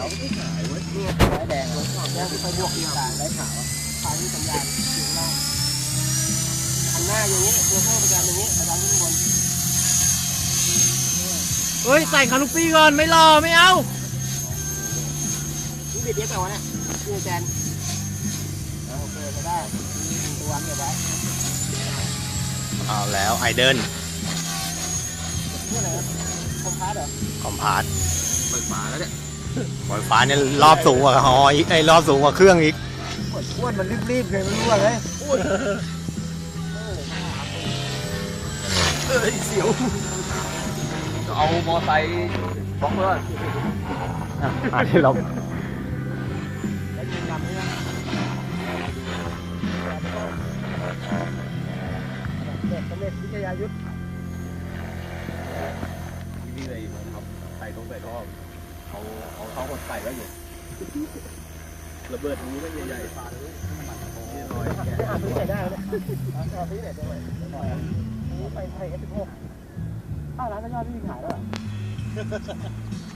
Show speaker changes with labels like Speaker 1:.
Speaker 1: ไม่หายเว้ย
Speaker 2: นี่ไฟแดงเลยแดงที่ไฟบวกอีกต่างได้ขาวไฟที่สัญญาณอยู่ล่างหันหน้าอย่างนี้ตัวเข้าประจำอย่างนี้อาจารย์ขึ้นบน
Speaker 3: เฮ้ยใส่คาลูปี้ก่อนไม่รอไม่เอา
Speaker 2: นี่บิดเยอะไปวะเนี่ยนี่แจนโอเคจะได้ตัวเก็บไว้
Speaker 3: เอาแล้วไอเดิน
Speaker 2: นี่อะไรคอมพาสเหรอ
Speaker 3: คอมพาร์ต
Speaker 1: เปิดฝาแล้วเนี่ย
Speaker 3: ไฟฟ้าเนี่ยรอบสูงกว่าฮออีกไอรอบสูงกว่าเครื่องอีก
Speaker 2: อ้วนมันรีบๆเลยไม่รู้อะไร
Speaker 1: เสียวก็เอามอไซค์บล็อกเลย
Speaker 3: หาที่เรา
Speaker 2: แล้วยิงดำนี่นะเด็กสำเร็จวิทยายุทธ
Speaker 1: นี่เลยครับใส่ตรงใส่ท่อเอาท่อคนใส่ไว้อยู่ระเบิดรูไม่ใหญ่ๆฝาเลยนี่ลอยแกะ
Speaker 2: อาซื้อไหนได้เนี่ยอาซื้อไหนได้ไปไทย F16 อ้าวร้านก็ยอดไม่มีขายแล้ว